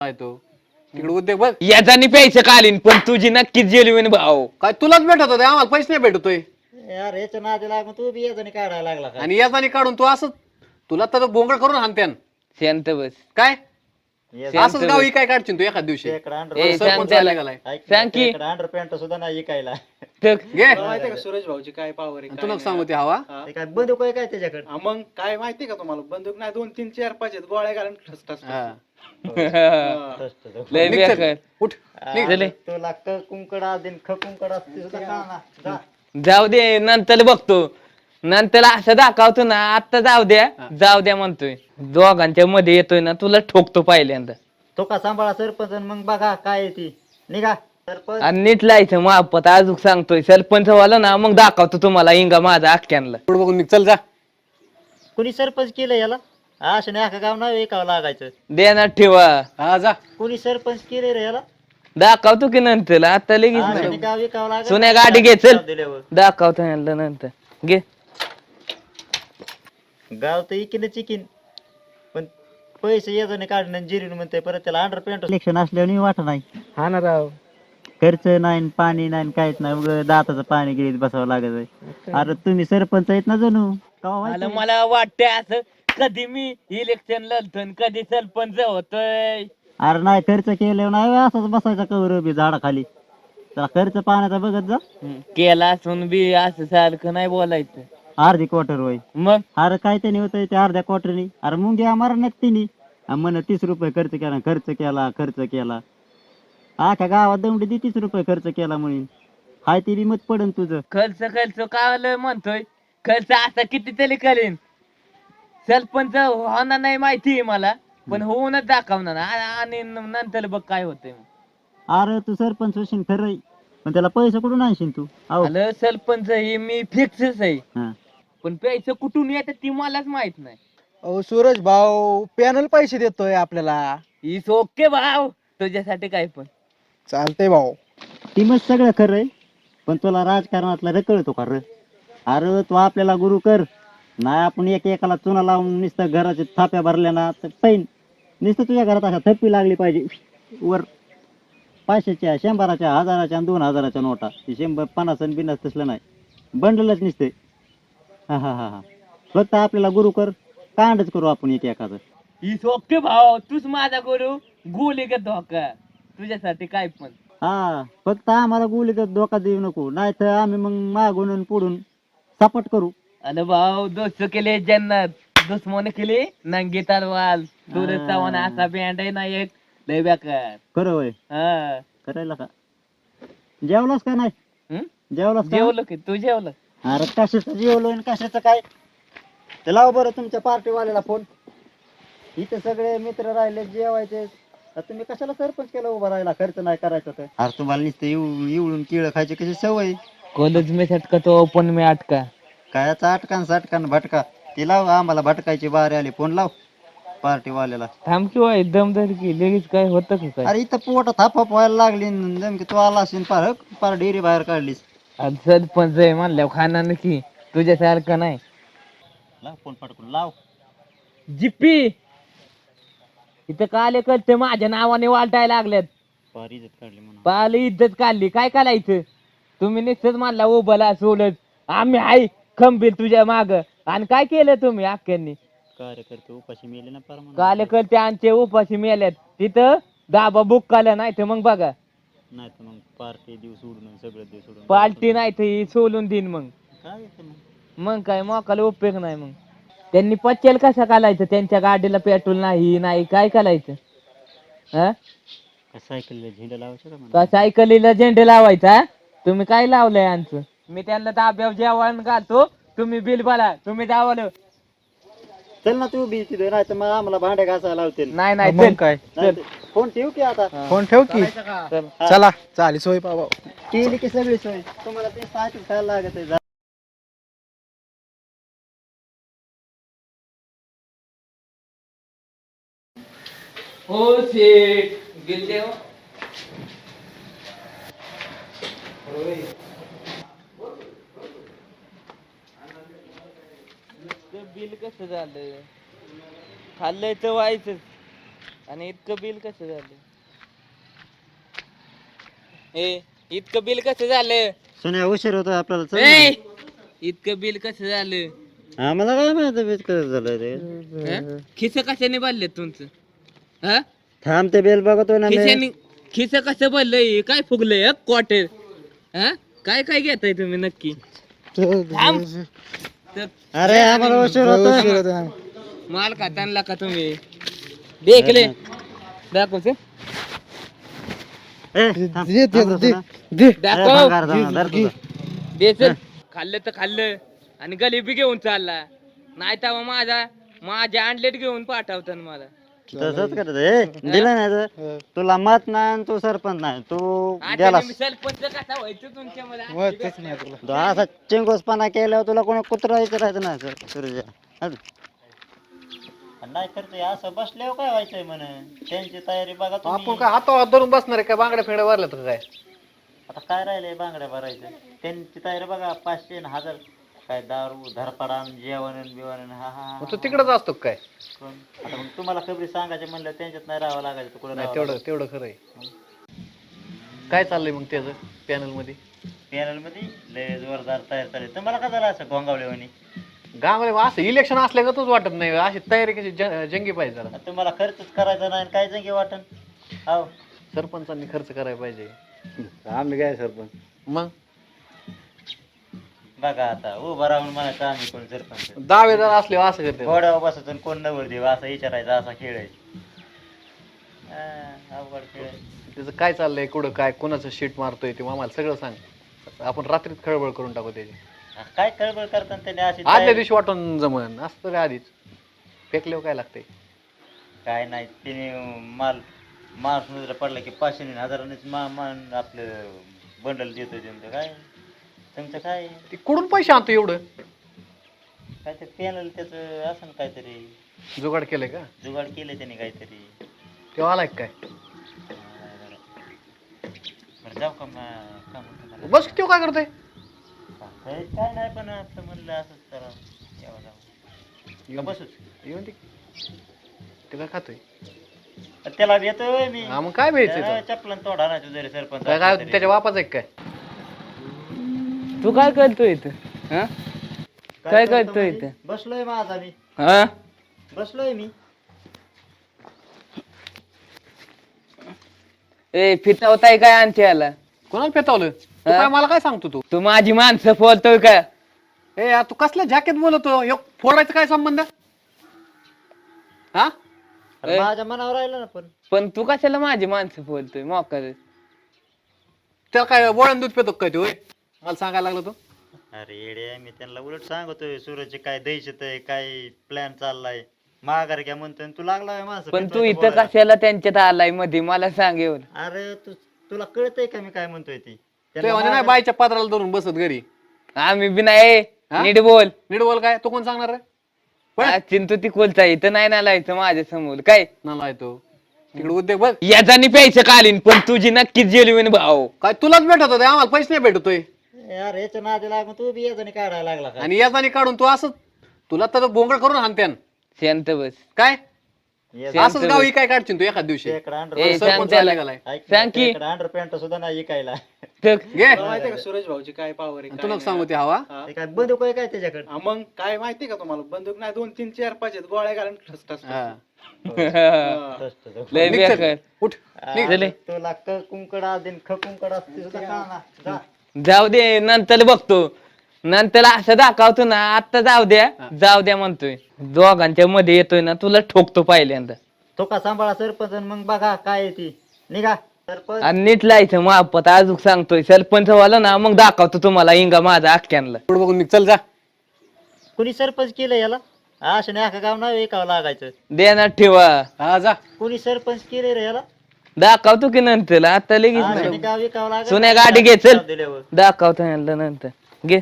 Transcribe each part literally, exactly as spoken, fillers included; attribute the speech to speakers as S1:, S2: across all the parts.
S1: काय तो तिकडे उद्योग बघ
S2: याचानी पैसे कालीन पण तुझी नक्कीच जेलवीन भाऊ.
S1: काय तुलाच भेटत होते आम्हाला पैसे नाही भेटतोय
S3: यार याच्या नादी लागून तू बी याच्याने काढायला लागला काय
S1: आणि याचानी काढून तू असं तुला तर बोंगळ करून हाणत्यान
S2: शांत बस.
S1: काय
S3: ये
S2: शांत
S1: असंच गाव काय काढशील तू एखाद दिवशी
S3: इकडं अंडर
S2: ए, सांग
S1: सरपंच
S2: त्याला.
S1: निघालाय
S2: सांग की.
S3: अंडर पॅन्ट सुद्धा नाही इकायला
S2: टक.
S1: घे
S4: माहितीये का सुरेश भाऊची काय पावर आहे
S1: तू नको सांगू ते हवा
S4: हा.
S3: ते काय बंदूक आहे काय त्याच्याकडे
S4: हा, मग काय माहितीये का तुम्हाला बंदूक नाही दोन तीन चार पाच आहेत गोळ्या घालून ठस ठस ठस.
S1: हा.
S4: हा.
S2: लय
S1: निघ चल.
S2: बेकार.
S1: उठ निघ.
S2: चले.
S3: तुला क कुंकडा दिन ख कुंकडा असते सुद्धा कळना. जा.
S2: जाऊ दे नंतर बघतो. नंतर असं दाखवतो ना आता जाऊ द्या जाऊ द्या म्हणतोय दोघांच्या मध्ये येतोय ना तुला ठोकतो पहिल्यांदा.
S3: तो का सांभाळा सरपंच आणि मग बघा काय आहे ती निघा सरपंच
S2: आणि नीट लायचं मापत अजून सांगतोय सरपंच वाला ना मग दाखवतो तुम्हाला इंगा माझा अख्ख्यांना.
S1: पुढे बघून निघ चल जा
S3: कुणी सरपंच केलं याला असं नाही अख्खा गाव नाव एकावं लागायचं
S2: देणार ठेवा
S1: हा जा
S3: कुणी सरपंच केले रे याला
S2: दाखवतो की नंतर आता लगेच
S3: असं
S2: नाही.
S3: नाही गाव एकावं लागायचं
S2: सोन्या गाडी घे चल
S3: दिल्यावर
S2: दाखवतो यांना नंतर घे.
S3: गाव तर इकिन चिकिन पण पैसे याच्याने काढणं जिरीन म्हणते परत त्याला अंडर पॅन्ट इलेक्शन असल्यावर वाटत नाही
S2: हा ना राव
S3: खर्च नाही पाणी नाही काहीच नाही उगाच दाताचं पाणी गिरीत बसावं लागत आहे. अरे तुम्ही सरपंच आहेत ना जणू कवा
S2: मला
S3: माहिती?
S2: मला वाटतंय असं कधी मी इलेक्शन लढतो कधी सरपंच होतोय.
S3: अरे नाही खर्च केल्यावर नाही असंच बसायचा कवर बी झाडाखाली त्याला खर्च पाण्याचा बघत जा
S2: केला असून बी असं सारखं नाही बोलायचं.
S3: अर्धी क्वार्टर वय
S2: मग
S3: अरे काय त्याने होतंय ते अर्ध्या क्वार्टरनी अरे मुंगी आम्हाला नाही तिने म्हण तीस रुपये खर्च केला खर्च केला खर्च केला आख्या गावात दमडी दे तीस रुपये खर्च केला म्हणून हाय ती मत पडन तुझं
S2: खर्च खर्च काय म्हणतोय खर्च असा किती तरी करेन सरपंच होणार नाही माहिती आहे मला पण होऊनच दाखवणार आ- आणि नंतर बघ काय होतंय.
S3: अरे तू सरपंच होशील खरं पण त्याला पैसे कुठून आणशील तू अहो
S2: आलं सरपंच हे मी फिक्सच आहे
S3: हा.
S2: पण पैसे कुठून येतात ती मलाच माहित नाही.
S5: अहो सूरज भाऊ पॅनल पैसे देतोय आपल्याला
S2: इस ओके भाव तुझ्यासाठी काय पण
S5: चालतंय भाऊ
S3: ती मग सगळं खरं आहे पण तुला राजकारणातला रकळतो का र अरे तू आपल्याला गुरु कर नाही आपण एक एकाला चुना लावून नुसतं घराच्या थाप्या भरल्या ना तर पैन नुसतं तुझ्या घरात अशा थप्पी लागली पाहिजे वर पाचशेच्या शंभराच्या हजाराच्या आणि दोन हजाराच्या नोटा ती शंभर पन्नास आणि बिन्नास तसलं नाही बंडलच नुसते हा हा हा हा फक्त आपल्याला गुरु कर कांडच करू आपण एक एकाचं
S2: इस ओके भाव तूच माझा गुरु गोली का धोका तुझ्यासाठी काय पण.
S3: हा फक्त आम्हाला गोलीचा धोका देऊ नको नाही तर आम्ही मग मागून आणि पुढून सपाट करू
S2: अरे भाऊ दोस्त केले जन्नत दुश्मन केले नंगी तलवार सूरज चव्हाण असा बँड आहे ना एक लय बेकार.
S3: खरं होय
S2: हा
S3: करायला का जेवलास का नाही
S2: हं?
S3: जेवलास का
S2: जेवलं की तू जेवलं.
S3: अरे कशाचं जेवलो आणि कशाचं काय ते लाव बरं तुमच्या पार्टीवाल्याला फोन इथे सगळे मित्र राहिले जेवायचे आता तुम्ही कशाला सरपंच केलं उभा राहिला खर्च नाही करायचा तर अरे तुम्हाला नुसतं येऊन केळं खायची कशी सवय
S2: कॉलेज में अटका तो ओपन में अटका.
S3: कायचा अटकान साटकान भटका ते लाव आम्हाला भटकायची बारी आली फोन लाव पार्टीवाल्याला
S2: थांब किंवा एकदम धर की लगेच काय होतं का काय.
S3: अरे इथं पोटात थापाप व्हायला लागली न नेमकी तू आला असेल पार पार डेअरी बाहेर काढलीस
S2: आणि सरपंच आहे म्हणल्यावर खाना नक्की तुझ्यासारखं नाही.
S3: लाव फोन पटकून लाव
S2: जिप्पी इथं काले करते माझ्या नावाने वालटायला लागल्यात
S3: पार इज्जत काढली म्हणून
S2: पाल इज्जत काढली काय करायचं तुम्ही निश्चित मानला उभला सोलत आम्ही आई खंबीर तुझ्या माग आणि काय केलं तुम्ही अख्ख्यांनी
S3: कार्यकर्ते उपाशी मेले ना पार म्हणून.
S2: कार्यकर्ते आमचे उपाशी मेल्यात तिथं दाबा बुक काल्या नाही तर मग बघा
S3: नाही तर मग पार्टी दिवस सोडून सगळं दिवस सोडून
S2: पार्टी नाही तर ही सोलून देईन मग
S3: काय येतं मग
S2: मग काय मोकाला उपयोग नाही. मग त्यांनी पच्चेल कसा घालायचं त्यांच्या गाडीला पेट्रोल नाही नाही काय घालायचं हा
S3: सायकल झेंडा लावायचं का म्हणून?
S2: का सायकलीला झेंडे लावायचा तुम्ही काय लावलंय आमचं मी त्यांना ताब्यावर जेवण घालतो तुम्ही बिल भरा तुम्ही जावलं
S3: चल ना तू बी तिथे नाही तर मग आम्हाला भांडे घासायला लावतील
S2: नाही नाही
S5: मग
S2: चल.
S5: काय
S3: नाही तर फोन ठेवू की आता
S5: फोन ठेव की
S2: चल.
S5: चला चालेल सोय बाबा
S3: केली की सगळी सोय तुम्हाला ते सायकल खायला लागत आहे
S2: हो शेट गेले हो. ते बिल कसं झालं खाल्लंय तर व्हायचं आणि इतकं बिल कसं झालं? ए इतकं बिल कसं झालं?
S3: सोन्या उशीर होतो आपल्याला चल
S2: ए
S3: ना.
S2: इतकं बिल कसं झालं?
S3: आम्हाला काय माहिती बीज कसं झालं ते
S2: हं? खिस कशाने भरले तुमचं? हा
S3: थांब ते बेल बघतोय ना मी.
S2: खिशाने खिस कसं भरलंय? काय फुगलंय क्वार्टर? हा काय काय घेताय तुम्ही नक्की? थांब. तर
S3: अरे आम्हाला उशीर होतो
S5: उशीर होतो ना.
S2: माल खाताना का तुम्ही देखले दाखवच
S3: ए, थांब,
S5: दे, दे,
S3: थांब
S5: दे,
S3: रचना.
S5: दे.
S3: अरे
S2: दाखव
S3: भंगार जाणार, धर तुझं.
S2: दे चल. खाल्लं तर खाल्लं आणि गलिबी घेऊन चालला नाही तर माझा माझ्या आणलेट घेऊन पाठवतात मला.
S3: तसंच करत ए दिलं नाही तर तुला मत नाही आणि तू सरपंच नाही तू गेला
S2: आता मी सरपंच कसा व्हायचं तुमच्या मला
S5: माहीतच नाही तुला.
S3: तू असा चिंगोसपणा केल्यावर तुला कोणी कुत्रा विचारायचं नाही सर सूर्या हल. नाही तर ते असं बसल्यावर काय व्हायचंय म्हणे त्यांची तयारी बघा तुम्ही.
S1: आपण काय हातावर धरून बसणार आहे काय? बांगड्या फिंगड्या भरल्या तर काय?
S3: आता काय राहिलंय बांगड्या भरायचं त्यांची तयारी बघा पाचशे न हजार काय दारू धरपडा जेवण आणि बिवण आणि हा हा
S1: मग तू तिकडच असतो का काय?
S3: कोण? आता मग तुम्हाला खबरी सांगायचे म्हणलं त्यांच्यात नाही राहावं लागायचं कुठं
S1: नाही तेवढं तेवढं खरं आहे. काय चाललंय मग त्याचं पॅनल मध्ये?
S3: पॅनल मध्ये लय जोरदार तयार चालेल तुम्हाला का झालं असं गोंगावले
S1: गावाला असं इलेक्शन असल्या का तूच वाटत नाही अशी तयारी कशी ज- जंगी पाहिजे जरा.
S3: तुम्हाला खर्चच करायचा नाही काय जंगी वाटन हो
S1: सरपंचांनी खर्च करायला पाहिजे.
S4: आम्ही काय सरपंच
S1: मग
S3: बघा आता उभं राहून म्हणायचं आम्ही कोण सरपंच
S1: दावेदार असले असं करते.
S3: घोड्यावर बसायचं आणि कोण नवर देव असं विचारायचं असा खेळ आहे हा, अवघड खेळ आहे.
S1: त्याचं काय चाललंय कुठं काय कोणाचं शीट मारतोय ते आम्हाला सगळं सांग. आपण रात्रीत खळबळ करून टाकू त्याची.
S3: हा, काय कळबळ करताना त्याने अशी
S1: आदल्या
S3: तयारी-
S1: दिवशी वाटून जमन असतं रे आधीच फेकल्यावर काय लागतंय?
S3: काय नाही त्याने माल माणूस नजर पडला की पाचशे आणि हजारानेच मा मान आपलं बंडल देतोय तुमचं काय तुमचं काय
S1: ते कुठून पैसे आणतो एवढं?
S3: काय ते पॅनल त्याचं असं ना काहीतरी
S1: जुगाड केलंय का?
S3: जुगाड केलंय त्याने काहीतरी
S1: तेव्हा आलाय का काय?
S3: बरं जाऊ का मग काम होतं मला.
S1: बस तेव्हा काय करतोय?
S3: काय काय नाही पण आपलं म्हणलं असंच करा यावं जाऊ का बसूच
S1: येऊन ते ते काय खातोय?
S3: त्याला येतोय मी
S1: हा मग काय भेटायचं?
S3: चपलन तोडा ना तू जरी सरपंच
S1: काय
S3: असला
S1: काय
S3: तरी.
S1: त्याच्या बापाचं आहे काय?
S2: तू काय करतोय इथं? हा काय
S3: करतो
S2: करतोय
S3: म्हणजे?
S2: इथं?
S3: बसलोय माझा मी
S2: हा
S3: बसलोय मी
S2: ए फितावताय काय आणते याला?
S1: कोणाला पेतावलं? तू
S2: हा?
S1: काय मला काय सांगतो तू?
S2: तू माझी माणसं बोलतोय का?
S1: ए यार, तू कसल्या जॅकेट बोलतो? ह्यो फोडायचं काय संबंध? हा
S3: अरे
S2: ए.
S3: माझ्या मनावर राहिलं ना पण
S2: पण तू कशाला माझी माणसं बोलतोय मोकार?
S1: त्याला काय वळण दूध पेतो काय तू? होय? मला सांगायला लागलं तू?
S3: अरे येडे मी त्यांना उलट सांगतोय सूरजचे काय द्यायचं आहे काय प्लॅन चाललाय माघार घ्या म्हणतोय आणि तू लागला माणसं
S2: पण तू
S3: पेटवायचं
S2: इथं
S3: बोलायला.
S2: कशाला त्यांच्यात आलाय मध्ये मला सांग एवढं.
S3: अरे तू तुला कळतंय का मी काय म्हणतोय ती
S1: ते म्हणे नाही
S3: माघार-
S1: बाईच्या पात्राला धरून बसत घरी.
S2: आम्ही बी नाही
S1: हा?
S2: नीट बोल.
S1: नीट बोल काय? तू कोण सांगणार रे? पण
S2: चिंतू ती कोलचा इथं नाही ना लायचं माझ्या समोर काय
S1: नाला आहे तो तिकडे उद्योग बघ.
S2: याचानी प्यायचं कालीन पण तुझी नक्कीच जेलवीन भाऊ.
S1: काय तुलाच भेटत होते आम्हाला पैसे नाही भेटतोय
S3: यार याच्या नादी लागून तू बी याच्याने काढायला लागला का
S1: आणि याचानी काढून तू असं तुला तर बोंगळ करून हाणत्यान
S2: शांत बस.
S1: काय
S3: याचा-
S1: असंच गाव काय काढशील तू एखाद दिवशी?
S3: इकडं अंडर
S2: ए,
S1: सरपंच
S2: सांग त्याला.
S1: आलेला आहे.
S3: ऐक ना,
S2: सांग की.
S3: इकडं अंडर पॅन्ट सुद्धा नाही इकायला
S2: टक.
S1: घे
S4: तुला माहितीये का सूरज भाऊची काय पावर आहे
S1: तू नको सांगू ते हवा.
S4: हा?
S3: ते काय बंदूक आहे काय त्याच्याकडे
S4: हा, मग काय माहितीये का तुम्हाला? बंदूक नाही दोन तीन चार पाच आहेत गोळ्या घालून ठस ठस ठस.
S1: हा.
S4: हा.
S2: लय
S1: निघ चल.
S2: बेकार.
S1: उठ निघ.
S2: चले.
S3: तुला क कुंकडा देन ख कुंकडा असते सुद्धा कळणार. जा.
S2: जाऊ दे नंतर बघतो. नंतर असं दाखवतो ना आता जाऊ द्या जाऊ द्या म्हणतोय दोघांच्या मध्ये येतोय ना तुला ठोकतो पहिल्यांदा.
S3: तो का सांभाळा सरपंच आणि मग बघा काय आहे ती निघा सरपंच
S2: आणि नीट लायचं मापत अजून सांगतोय सरपंच वाला ना मग दाखवतो तुम्हाला इंगा माझा अख्ख्यांना.
S1: पुढे बघून निघ चल जा.
S3: कुणी सरपंच केलं याला असं नाही अख्खा गाव नाव एकावं लागायचं
S2: देणार ठेवा
S1: हा जा.
S3: कुणी सरपंच केले रे याला
S2: दाखवतो की नंतर आता लगेच
S3: असं
S2: नाही.
S3: नाही गाव एकावं लागायचं
S2: सोन्या गाडी घे चल
S3: दिल्यावर
S2: दाखवतो यांना नंतर घे.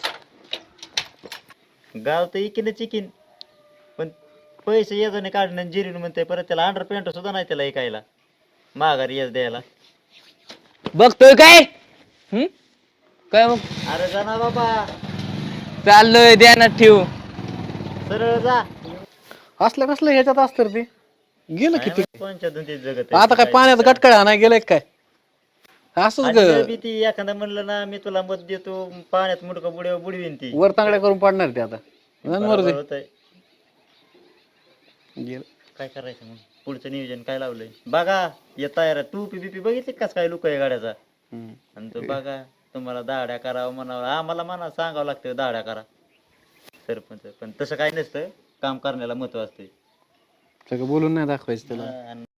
S3: गाव तर इकिन चिकिन पण पैसे याजाने काढणं जिरीन म्हणते परत त्याला अंडर पॅन्ट सुद्धा नाही त्याला ऐकायला माघारी याच द्यायला
S2: बघतोय काय हम्म? काय मग
S3: अरे जा ना बाबा
S2: चाललोय ध्यानात ठेव.
S3: सरळ जा
S1: असलं कसलं ह्याच्यात असतं रे ते गेलं किती
S3: कोणच्या धुंदीत जगत आहे?
S1: आता काय पाण्यात गटकळ नाही गेलंय काय असंच
S3: आणि
S1: ग
S3: जर बी ती एखादा म्हणलं ना मी तुला मत देतो पाण्यात मुडकं बुडव बुडवीन ती
S1: वर तांगड्या करून पडणार ते आता मरू
S3: बरोबर
S1: दे.
S3: होतंय.
S1: गेलं.
S3: काय करायचं मग पुढचं नियोजन काय लावलंय बघा येत आहे तू पी बीपी बघितली कस काय लुक आहे गाड्याचा
S1: हम्म.
S3: आणि तो बघा तुम्हाला दाड्या करावं म्हणावं आम्हाला म्हणा सांगावं लागतं दाड्या करा सरपंच पण तसं काही नसतं काम करण्याला महत्व असते
S1: सगळं बोलून नाही दाखवायचं त्याला
S3: आणि